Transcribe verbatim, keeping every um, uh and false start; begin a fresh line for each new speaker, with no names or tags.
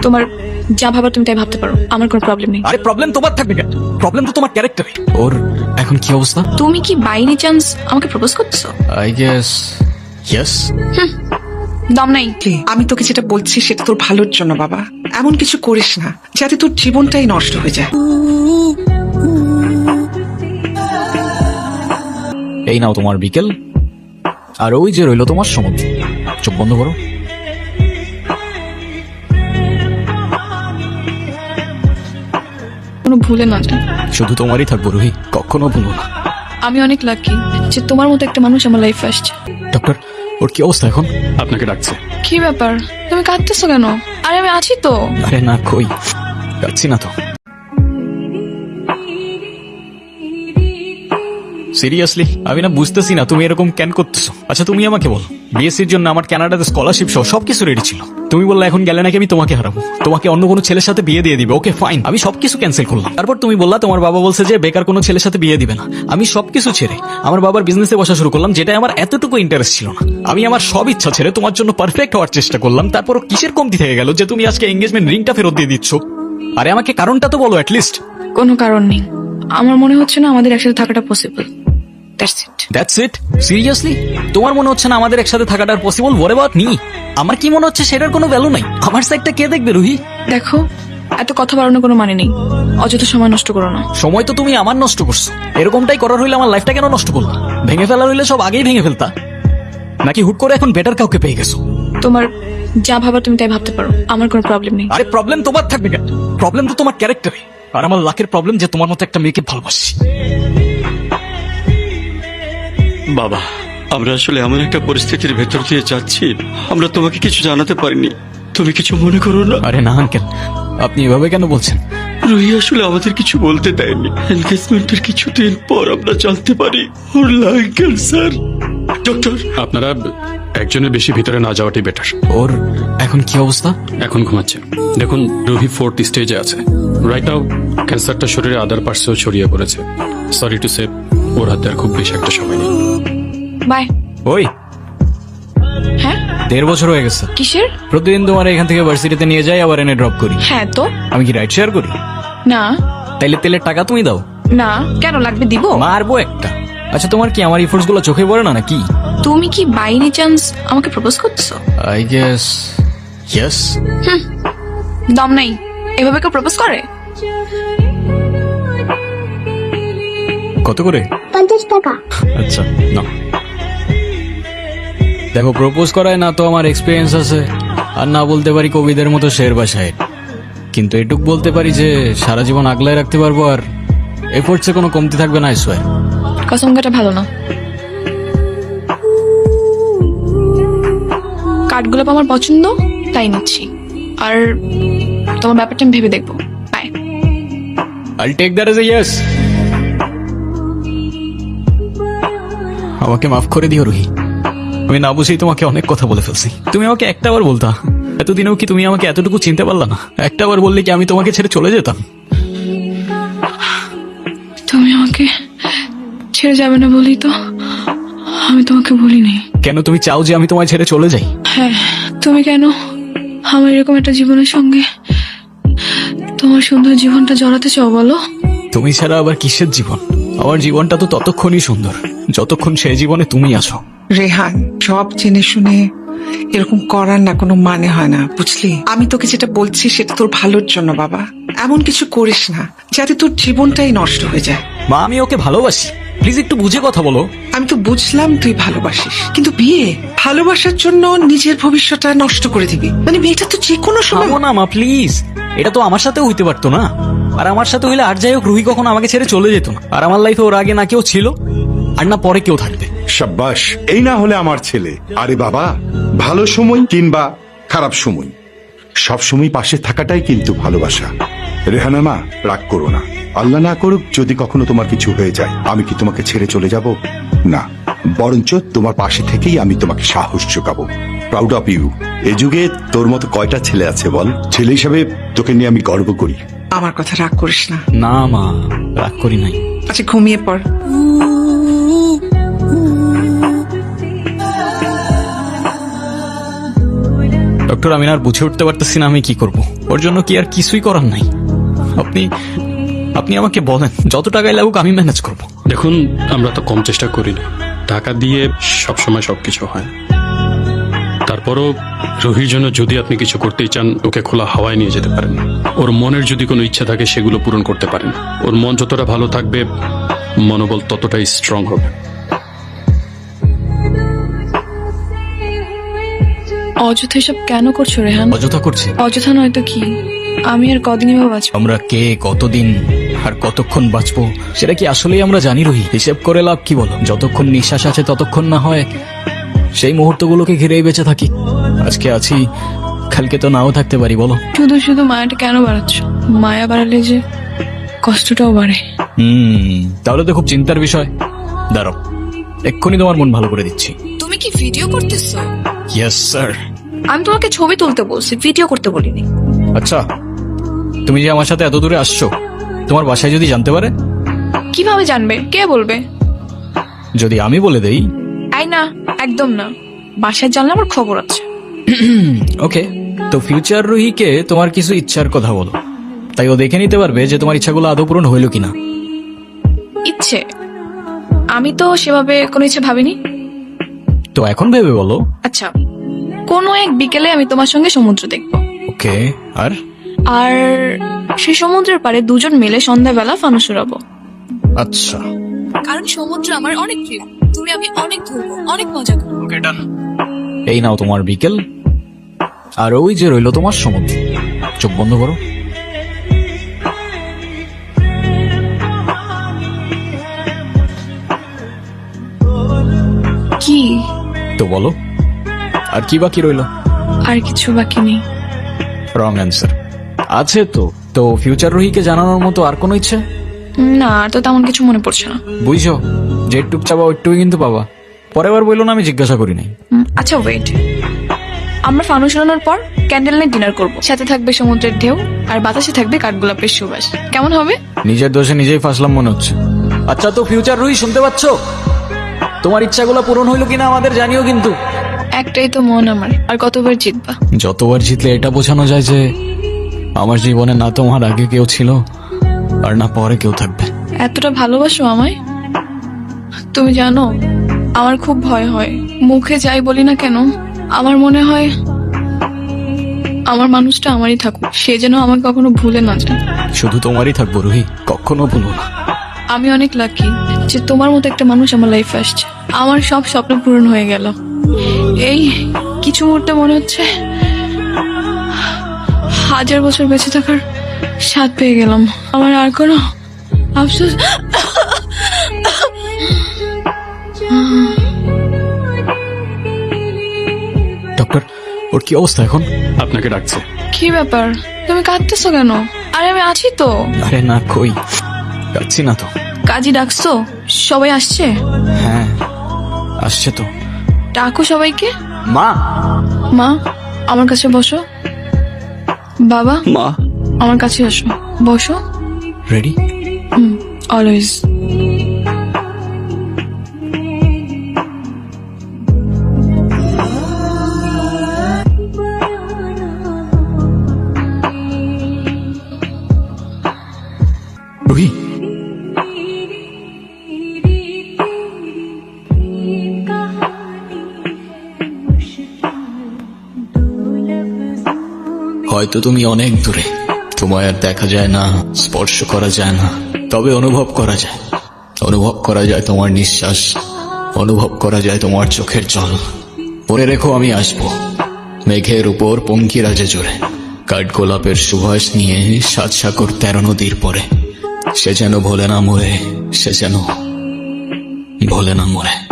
তোমার যা ভাবার তুমি তাই ভাবতে পারো, আমার কোনো প্রবলেম নেই।
আরে প্রবলেম তোমার থাকবে কেন? প্রবলেম তো তোমার ক্যারেক্টারে। ওর এখন কি অবস্থা?
তুমি কি বাই এনি চান্স আমাকে প্রপোজ করতেছো?
I guess yes.
দম নাই।
আমি তোকে যেটা বলছি সেটা তোর ভালোর জন্য বাবা। এমন কিছু করিস না যাতে তোর জীবনটাই নষ্ট হয়ে যায়।
এই নাও তোমার বিকেল, আর ওই যে রইলো তোমার সমুদ্র। চোখ বন্ধ করো।
কোনো ভুলে না যায়।
শুধু তোমারই থাকবো রুহি, কখনো ভুলো না।
আমি অনেক লাকি যে তোমার মতো একটা মানুষ আমার লাইফে আসছে।
ডক্টর, ওর কি অবস্থা এখন?
আপনাকে ডাকছে।
কি ব্যাপার, তুমি কাঁদতেছো কেন? আরে আমি আছি তো।
আরে না, কই যাচ্ছি না তো। সিরিয়াসলি আমি না বুঝতেছি না তুমি এরকম কেন করতেছো। আচ্ছা তুমি আমাকে বলো, বিএসসির জন্য আমার কানাডাতে স্কলারশিপ সহ সবকিছু রেডি ছিল। তুমি বললে এখন গেলে নাকি আমি তোমাকে হারাবো, তোমাকে অন্য কোনো ছেলের সাথে বিয়ে দিয়ে দিবে। ওকে ফাইন, আমি সবকিছু ক্যান্সেল করলাম। তারপর তুমি বললা তোমার বাবা বলছে যে বেকার কোনো ছেলের সাথে বিয়ে দিবে না। আমি সবকিছু ছেড়ে আমার বাবার বিজনেসে বসা শুরু করলাম, যেটা আমার এতটুকু ইন্টারেস্ট ছিল না। আমি আমার সব ইচ্ছা ছেড়ে তোমার জন্য পারফেক্ট হওয়ার চেষ্টা করলাম। তারপর কিসের কমতি থেকে গেল যে তুমি আজকে এঙ্গেজমেন্ট রিংটা ফেরত দিয়ে দিচ্ছ? আরে আমাকে কারণটা তো বলো অ্যাটলিস্ট।
কোনো কারণ নেই, আমার মনে হচ্ছে না আমাদের একসাথে থাকাটা possible. That's it.
That's it? Seriously তোমার মনে হচ্ছে না আমাদের একসাথে থাকাটা পসিবল? What about me? আমার কি মনে হচ্ছে সেটার কোনো ভ্যালু নাই? আমার সাইডটা কে দেখবে রুহি?
দেখো, এত কথা বাড়ানোর কোনো মানে নেই। অযথা সময় নষ্ট করো না।
সময় তো তুমি আমার নষ্ট করছো। এরকমটাই করার হইলে আমার লাইফটা কেন নষ্ট করলো? ভেঙে ফেলার হইলে সব আগেই ভেঙে ফেলতা, নাকি হুট করে এখন বেটার কাউকে পেয়ে গেছো?
তোমার যা ভাবার তুমি তাই ভাবতে পারো, আমার কোনো প্রবলেম নেই।
আরে প্রবলেম তোমার থাকবে কেন? প্রবলেম তো তোমার ক্যারেক্টারে। আর আমার লাকের প্রবলেম যে তোমার মতো একটা মেয়েকে ভালোবাসি।
বাবা, আমরা আসলে এমন একটা পরিস্থিতির ভেতর দিয়ে যাচ্ছি, আমরা তোমাকে কিছু জানাতে পারিনি। তুমি কিছু মনে করো না।
আরে না আঙ্কেল, আপনি এভাবে কেন বলছেন?
রুহি আসলে আমাদের কিছু বলতে দেয়নি। এনগেজমেন্টের কিছুদিন পর আমরা জানতে পারি ওর লাং ক্যান্সার। ডক্টর, আপনারা একজনের বেশি ভিতরে না যাওয়াটাই বেটার।
ওর এখন কি অবস্থা?
এখন ঘুমাচ্ছে। দেখুন, রুহি ফোর্থ স্টেজে আছে। রাইট নাও ক্যান্সারটা শরীরে আদার পার্টসেও ছড়িয়ে পড়েছে। সরি টু সে, ওর হাতে আর খুব বেশি একটা সময় নেই।
বাই।
ওই
হ্যাঁ,
দেড় বছর হয়ে গেছে।
কিসের?
প্রতিদিন তোমার এখান থেকে ভার্সিটিতে নিয়ে যাই, আবার এনে ড্রপ করি।
হ্যাঁ তো।
আমি কি রাইড শেয়ার করি?
না।
তাইলে তেলের টাকা তুমি দাও।
না, কেন লাগবে? দিব।
মারবো একটা। আচ্ছা তোমার কি আমার ইফোর্টস গুলো চোখে পড়ে না নাকি?
তুমি কি বাই এনি চান্স আমাকে প্রপোজ করতেছো?
I guess yes.
দম নাই। এভাবে কেউ প্রপোজ করে?
কত করে?
পঞ্চাশ টাকা।
আচ্ছা না, দেখো প্রপোজ করায় না তো আমার এক্সপিরিয়েন্স আছে, আর না বলতে পারি কবিদের মতো শের বা শায়ের। কিন্তু এটুক বলতে পারি যে সারা জীবন আগলায় রাখতে পারবো, আর এফোর্টসে কোনো কমতি থাকবে না। আইসোয়ার।
কসম কাটা ভালো না। কাঠগোলাপ আমার পছন্দ, তাই নিচ্ছি। আর তোমার ব্যাপারটা আমি ভেবে দেখবো। Bye.
I'll take that as a yes. আমাকে মাফ করে দিও রুহি, আমি না বুঝেই তোমাকে অনেক কথা বলে ফেলছি। তুমি আমাকে একটা বার বলতা, এতদিনেও কি তুমি আমাকে এতটুকু চিনতে পারলা না? একটা বার বললে কি আমি তোমাকে ছেড়ে চলে যেতাম?
তুমি আমাকে ছেড়ে যাবে না বলি তো আমি তোমাকে বলিনি।
কেন তুমি চাও যে আমি তোমায় ছেড়ে চলে যাই?
হ্যাঁ, তুমি কেন আমার এরকম একটা জীবনের সঙ্গে তোমার সুন্দর জীবনটা জড়াতে চাও বলো?
তুমি ছাড়া আবার কিসের জীবন? আমার জীবনটা তো ততক্ষণই সুন্দর যতক্ষণ সেই জীবনে তুমি আছো।
রেহান, সব জেনে শুনে এরকম করার না কোনো মানে হয় না, বুঝলি? আমি তোকে যেটা বলছি সেটা তোর ভালোর জন্য বাবা। এমন কিছু করিস না যাতে তোর জীবনটাই নষ্ট হয়ে যায়।
মা, আমি ওকে ভালোবাসি, প্লিজ একটু বুঝে কথা বলো।
আমি তো বুঝলাম তুই ভালোবাসিস, কিন্তু বিয়ে ভালোবাসার জন্য নিজের ভবিষ্যৎটা নষ্ট করে দিবি? মানে মেয়েটা তো যে কোনো সময়।
থামো না মা প্লিজ, এটা তো আমার সাথে হইতে পারতো না। আর আমার সাথে হইলে আর যাই হোক রুহি কখনো আমাকে ছেড়ে চলে যেত না। আর আমার লাইফে ওর আগে না কেউ ছিল, আর না পরে কেউ থাকবে।
সাব্বাস, এই না হলে আমার ছেলে। আরে বাবা, ভালো সময় কিংবা খারাপ সময় সব সময় পাশে থাকাটাই কিন্তু ভালোবাসা। রেহানা মা, রাগ করো না। আল্লাহ না করুক যদি কখনো তোমার কিছু হয়ে যায়, আমি কি তোমাকে ছেড়ে চলে যাব? না, বরঞ্চ তোমার পাশে থেকেই আমি তোমাকে সাহস যোগাবো। Proud of you. এই যুগে তোর মতো কয়টা ছেলে আছে বল? ছেলে হিসাবে তোকে নিয়ে আমি গর্ব করি।
আমার কথা রাগ করিস না।
না মা, রাগ করি নাই।
আচ্ছা ঘুমিয়ে পড়।
ডক্টর ডক্টর আমি না আর বুঝে উঠতে পারতেছি না আমি কি করব। ওর জন্য কি আর কিছুই করার নাই। আপনি আপনি আমাকে বলেন যত টাকায় লাগুক আমি ম্যানেজ করব।
দেখুন আমরা তো কম চেষ্টা করি না, টাকা দিয়ে সবসময় সবকিছু হয়। তারপরও রুহির জন্য যদি আপনি কিছু করতেই চান, ওকে খোলা হাওয়ায় নিয়ে যেতে পারেন। ওর মনের যদি কোনো ইচ্ছা থাকে সেগুলো পূরণ করতে পারেন। ওর মন যতটা ভালো থাকবে মনোবল ততটাই স্ট্রং হবে।
অযথা এসব কেন করছো রেহান?
অযথা করছে?
অযথা নয়তো কি? আমি আর কদিনই বা বাঁচবো?
আমরা কে, কতদিন আর কতক্ষণ বাঁচবো সেটা কি আসলেই আমরা জানি রুহি? হিসেব করে লাভ কি বলো? যতক্ষণ নিঃশ্বাস আছে ততক্ষণ না হয় সেই মুহূর্তগুলোকে ঘিরেই বেঁচে থাকি। আজকে আছি, কালকে তো নাও থাকতে পারি, বলো?
শুধু শুধু মায়াটা কেন বাড়াচ্ছ? মায়া বাড়ালে যে কষ্টটাও বাড়ে।
হুম তাহলে তো খুব চিন্তার বিষয়। দাঁড়াও, এক্ষুনি তোমার মন ভালো করে দিচ্ছি।
তুমি কি ভিডিও করতেছো?
Yes sir.
আমি তোমাকে ছবি তুলতে বলছি, ভিডিও করতে বলিনি।
আচ্ছা, তুমি যে আমার সাথে এত দূরে আসছো, তোমার বাসায় যদি জানতে পারে?
কিভাবে জানবে? কে বলবে?
যদি আমি বলে দেই?
আই না, একদম না। বাসায় জানলে আমার খবর আছে।
ওকে, তো ফিউচার রুহিকে তোমার কিছু ইচ্ছার কথা বলো, তাই ও দেখে নিতে পারবে যে তোমার ইচ্ছাগুলো আদৌ পূরণ হইল কিনা।
ইচ্ছে? আমি তো সেভাবে কোনো ইচ্ছে ভাবিনি।
তো এখন ভেবে বলো।
আচ্ছা, কোনো এক বিকেলে আমি তোমার সঙ্গে সমুদ্র দেখবো।
ওকে, আর?
আর সেই সমুদ্রের পাড়ে দুজন মিলে সন্ধ্যাবেলা ফানুস উড়াবো।
আচ্ছা,
কারণ সমুদ্র আমার অনেক প্রিয়। তুমি আমি অনেক ঘুরবো, অনেক মজা করবো।
ওকে ডান। এই নাও তোমার বিকেল, আর ওই যে রইলো তোমার সমুদ্র। চোখ বন্ধ করো।
কি?
তো বলো, আর কি বাকি রইলো?
আর কিছু বাকি নেই।
Wrong answer. আছে তো। তো ফিউচার রুহিকে জানানোর মতো আর কোনো ইচ্ছে?
না, আর তো তেমন কিছু মনে পড়ছে না।
বুঝছো, যেটুক চাবা ওইটুকুই কিন্তু পাবা। পরের বার বললো না আমি জিজ্ঞাসা করি নাই।
উম, আচ্ছা ওয়েট, আমরা ফানুস উড়ানোর পর ক্যান্ডেল নাইট ডিনার করবো। সাথে থাকবে সমুদ্রের ঢেউ, আর বাতাসে থাকবে কাঠগোলাপের সুবাস। কেমন হবে?
নিজের দোষে নিজেই ফাঁসলাম মনে হচ্ছে। আচ্ছা, তো ফিউচার রুহি শুনতে পাচ্ছ? তোমার ইচ্ছাগুলো পূরণ হইলো কিনা আমাদের জানিও কিন্তু।
একটাই তো মন আমার, আর কতবার জিতবা?
যতবার জিতলে এটা বোঝানো যায় যে আমার জীবনে না তোমার আগে কেউ ছিল আর না পরে কেউ থাকবে।
এতটা ভালোবাসো আমায়? তুমি জানো, আমার খুব ভয় হয়। মুখে যাই বলি না কেন, আমার মনে হয় আমার মানুষটা আমারই থাকুক, সে যেন আমাকে কখনো ভুলে না যায়।
শুধু তোমারই থাকবো রুহি, কখনো ভুলবো না।
আমি অনেক লাকি যে তোমার মতো একটা মানুষ আমার লাইফে আসছে। আমার সব স্বপ্ন পূরণ হয়ে গেল। এই কিছু মুহূর্তে মনে হচ্ছে হাজার বছর বেঁচে থাকার স্বাদ পেয়ে গেলাম। আমার আর কোনো আফসোস।
ডক্টর, ওর কি অবস্থা এখন?
আপনাকে ডাকছে।
কি ব্যাপার, তুমি কাঁদতেছো কেন? আরে আমি আছি তো।
আরে না, কই যাচ্ছি না তো।
কাজী ডাকছো? সবাই আসছে?
হ্যাঁ আসছে তো।
ডাকো সবাইকে।
মা,
মা আমার কাছে বসো। বাবা
মা,
আমার কাছে আসো, বসো।
রেডি?
হুম, অলওয়েজ।
রুহি, হয়তো তুমি অনেক দূরে, তোমায় আর দেখা যায় না, স্পর্শ করা যায় না, তবে অনুভব করা যায়। অনুভব করা যায় তোমার নিঃশ্বাস, অনুভব করা যায় তোমার চোখের জল। পরে রেখো আমি আসবো মেঘের উপর পঙ্কিরাজে জোরে, কাঠগোলাপের সুবাস নিয়ে সাত সাগর তেরো নদীর পরে। সে যেন ভোলে না মরে, সে যেন ভোলে না মরে।